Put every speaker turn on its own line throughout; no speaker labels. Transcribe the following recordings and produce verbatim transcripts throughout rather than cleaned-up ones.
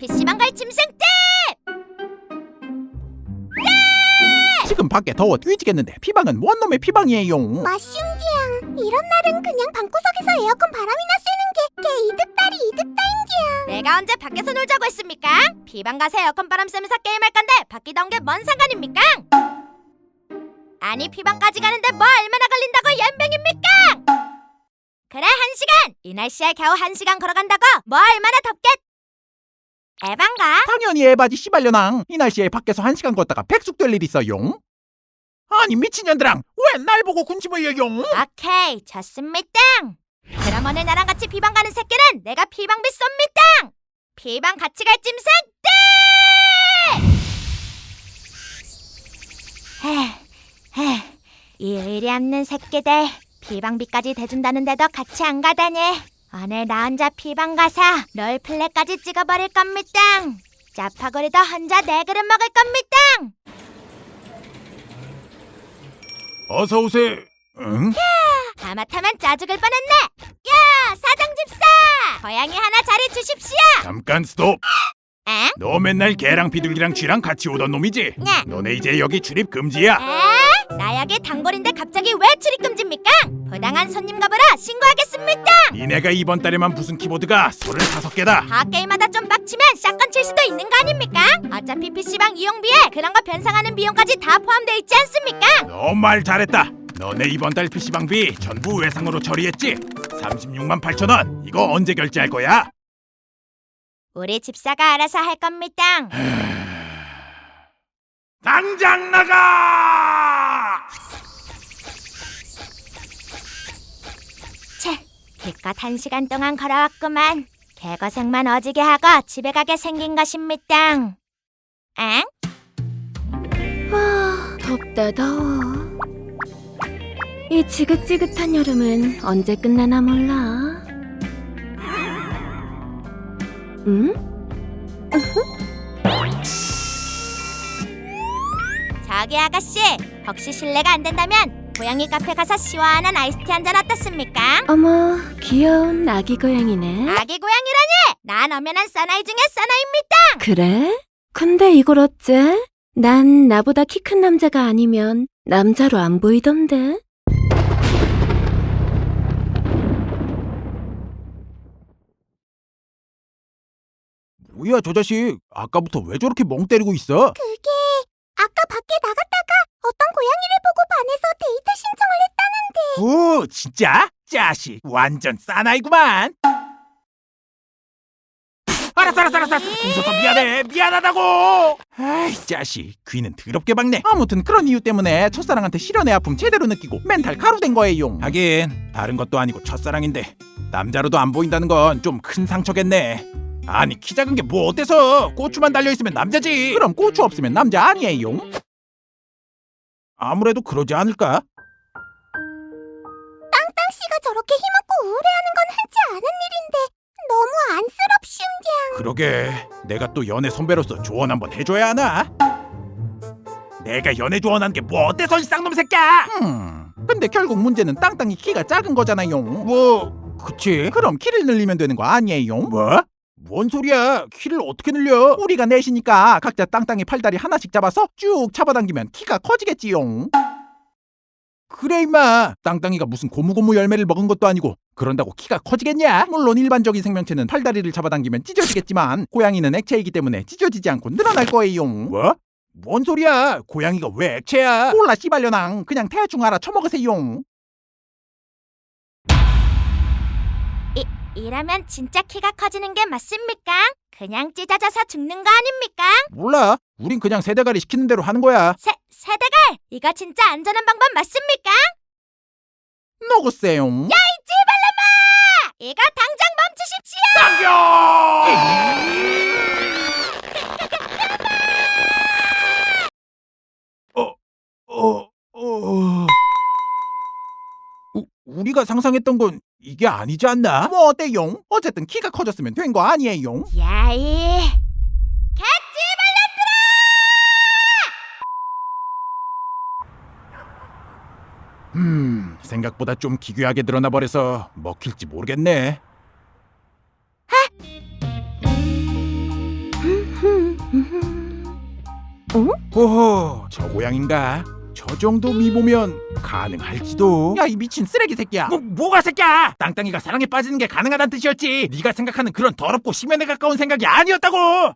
피씨방 갈 짐승 떼!
지금 밖에 더워 뒤지겠는데 피방은 뭔 놈의 피방이에요?
마슝디양, 이런 날은 그냥 방구석에서 에어컨 바람이나 쐬는 게 개 이득다리 이득다인기양.
내가 언제 밖에서 놀자고 했습니까? 피방 가서 에어컨 바람 쐬면서 게임할 건데 밖이 더운 게 뭔 상관입니까? 아니 피방까지 가는데 뭐 얼마나 걸린다고 연병입니까? 그래 한 시간! 이 날씨에 겨우 한 시간 걸어간다고 뭐 얼마나 덥겠? 에반가?
당연히 에바지 씨발려낭. 이 날씨에 밖에서 한 시간 걷다가 백숙될 일 있어요? 아니 미친년들랑 왜 날 보고 군침을 흘려요?
오케이 좋습니다. 그럼 오늘 나랑 같이 피방 가는 새끼는 내가 피방비 쏩니다. 피방 같이 갈 짐승 떼! 헤헤 이 의리 없는 새끼들 피방비까지 대준다는데도 같이 안 가다니. 오늘 나 혼자 피방 가서 롤플레이까지 찍어버릴 겁니다. 짜파구리도 혼자 네 그릇 먹을 겁니다.
어서 오세요. 응?
하마터면 짜죽을 뻔했네. 야 사장 집사 고양이 하나 자리 주십시오.
잠깐 스톱.
에?
너 맨날 개랑 비둘기랑 쥐랑 같이 오던 놈이지?
네.
너네 이제 여기 출입 금지야.
에? 나 여기 단골인데 갑자기 왜 출입금지입니까? 부당한 손님 가보라 신고하겠습니다.
니네가 이번 달에만 부순 키보드가 서른다섯 개다.
핫게임마다 좀 빡치면 샷건 칠 수도 있는 거 아닙니까? 어차피 피씨방 이용비에 그런 거 변상하는 비용까지 다 포함되어 있지 않습니까?
너 말 잘했다. 너네 이번 달 피씨방비 전부 외상으로 처리했지? 삼십육만 팔천 원. 이거 언제 결제할 거야?
우리 집사가 알아서 할 겁니다.
당장 나가!
채, 기껏 한 시간 동안 걸어왔구만. 개고생만 어지게 하고 집에 가게 생긴 것입니다. 엥?
와, 덥다 더워. 이 지긋지긋한 여름은 언제 끝나나 몰라. 응?
저기 아가씨, 혹시 실례가 안 된다면 고양이 카페 가서 시원한 아이스티 한잔 어떻습니까?
어머, 귀여운 아기 고양이네.
아기 고양이라니! 난 엄연한 사나이 중에 사나이입니다.
그래? 근데 이걸 어째? 난 나보다 키 큰 남자가 아니면 남자로 안 보이던데.
뭐야 저 자식. 아까부터 왜 저렇게 멍 때리고 있어?
그게 아까 밖에 나갔다가 어떤 고양이를 보고 반해서 데이트 신청을 했다는데.
오 진짜? 자식 완전 사나이구만. 알았어 알았어 알았어 알았어. 웃어서 미안해. 미안하다고. 아이 자식 귀는 더럽게 박네. 아무튼 그런 이유 때문에 첫사랑한테 실연의 아픔 제대로 느끼고 멘탈 가루된 거예요. 하긴 다른 것도 아니고 첫사랑인데 남자로도 안 보인다는 건 좀 큰 상처겠네. 아니 키 작은 게 뭐 어때서? 고추만 달려있으면 남자지. 그럼 고추 없으면 남자 아니에요? 아무래도 그러지 않을까?
땅씨가 저렇게 힘없고 우울해하는 건 흔치 않은 일인데 너무 안쓰럽시운디양.
그러게 내가 또 연애 선배로서 조언 한번 해줘야 하나? 내가 연애 조언한 게 뭐 어때서 이 쌍놈 새끼야? 음, 근데 결국 문제는 땅땅이 키가 작은 거잖아요. 뭐 그치. 그럼 키를 늘리면 되는 거 아니에요? 뭐? 뭔 소리야. 키를 어떻게 늘려? 우리가 넷이니까 각자 땅땅이 팔다리 하나씩 잡아서 쭉 잡아당기면 키가 커지겠지요. 그래 임마. 땅땅이가 무슨 고무고무 열매를 먹은 것도 아니고 그런다고 키가 커지겠냐? 물론 일반적인 생명체는 팔다리를 잡아당기면 찢어지겠지만 고양이는 액체이기 때문에 찢어지지 않고 늘어날 거예요. 뭐? 뭔 소리야. 고양이가 왜 액체야? 몰라 씨발려낭. 그냥 대충 알아 쳐먹으세요.
이, 이러면 진짜 키가 커지는 게 맞습니까? 그냥 찢어져서 죽는 거 아닙니까?
몰라. 우린 그냥 세대가리 시키는 대로 하는 거야.
세, 세대갈! 이거 진짜 안전한 방법 맞습니까?
너고세요.
야 이 찌발놈아! 이거 당장 멈추십시오!
어, 어, 어. 우, 우리가 상상했던 건 이게 아니지 않나? 뭐 어때요? 어쨌든 키가 커졌으면 된 거 아니에요?
야이
음, 생각보다 좀 기괴하게 드러나 버려서 먹힐지 모르겠네. 호호, 저 고양인가? 저 정도 미모면 가능할지도. 야, 이 미친 쓰레기 새끼야. 뭐, 뭐가 새끼야? 땅땅이가 사랑에 빠지는 게 가능하다는 뜻이었지. 네가 생각하는 그런 더럽고 심연에 가까운 생각이 아니었다고.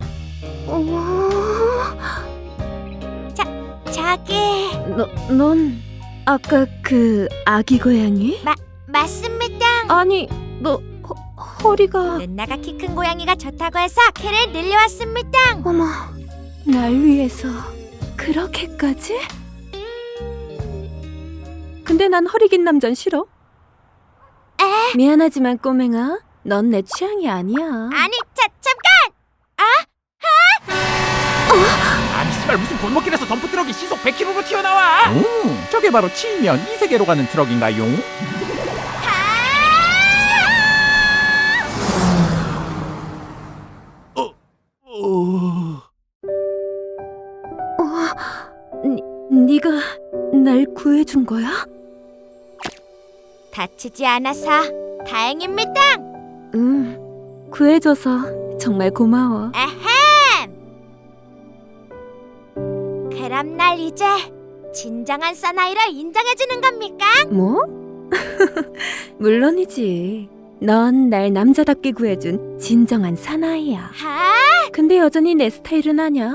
저기
너, 넌 아까 그 아기 고양이?
맞습니다.
아니, 너 허, 허리가...
누나가 키 큰 고양이가 좋다고 해서 키를 늘려왔습니다.
어머, 날 위해서 그렇게까지? 근데 난 허리 긴 남잔 싫어.
에?
미안하지만 꼬맹아, 넌 내 취향이 아니야.
아니, 자, 잠깐!
아니 씨발, 무슨 골목길에서 덤프 트럭이 시속 백 킬로미터로 튀어나와. 오, 저게 바로 치면 이 세계로 가는 트럭인가요? 어, 어...
네가 날 구해준 거야?
다치지 않아서 다행입니다.
응, 구해줘서 정말 고마워.
에헴! 그럼 날 이제 진정한 사나이로 인정해주는 겁니까?
뭐? 물론이지. 넌 날 남자답게 구해준 진정한 사나이야.
하?
근데 여전히 내 스타일은 아냐?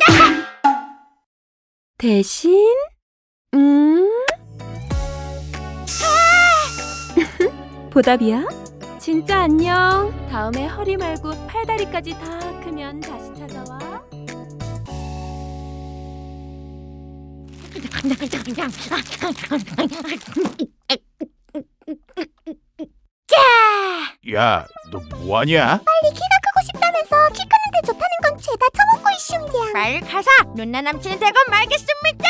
대신 음 보답이야. 진짜 안녕. 다음에 허리 말고 팔다리까지 다 크면 다시 찾아와.
야, 너 뭐하냐?
빨리 키가 크고 싶다면서 키 크는데 좋다는 건 죄다 처먹고 있슈냐.
빨리 가서 누나 남친이 되고 말겠습니다.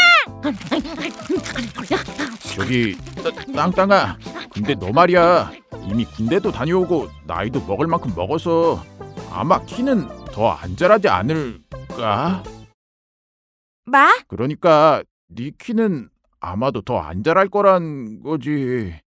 저기 따- 땅땅아, 근데 너 말이야, 이미 군대도 다녀오고 나이도 먹을 만큼 먹어서 아마 키는 더 안 자라지 않을까?
뭐?
그러니까 네 키는 아마도 더 안 자랄 거란 거지.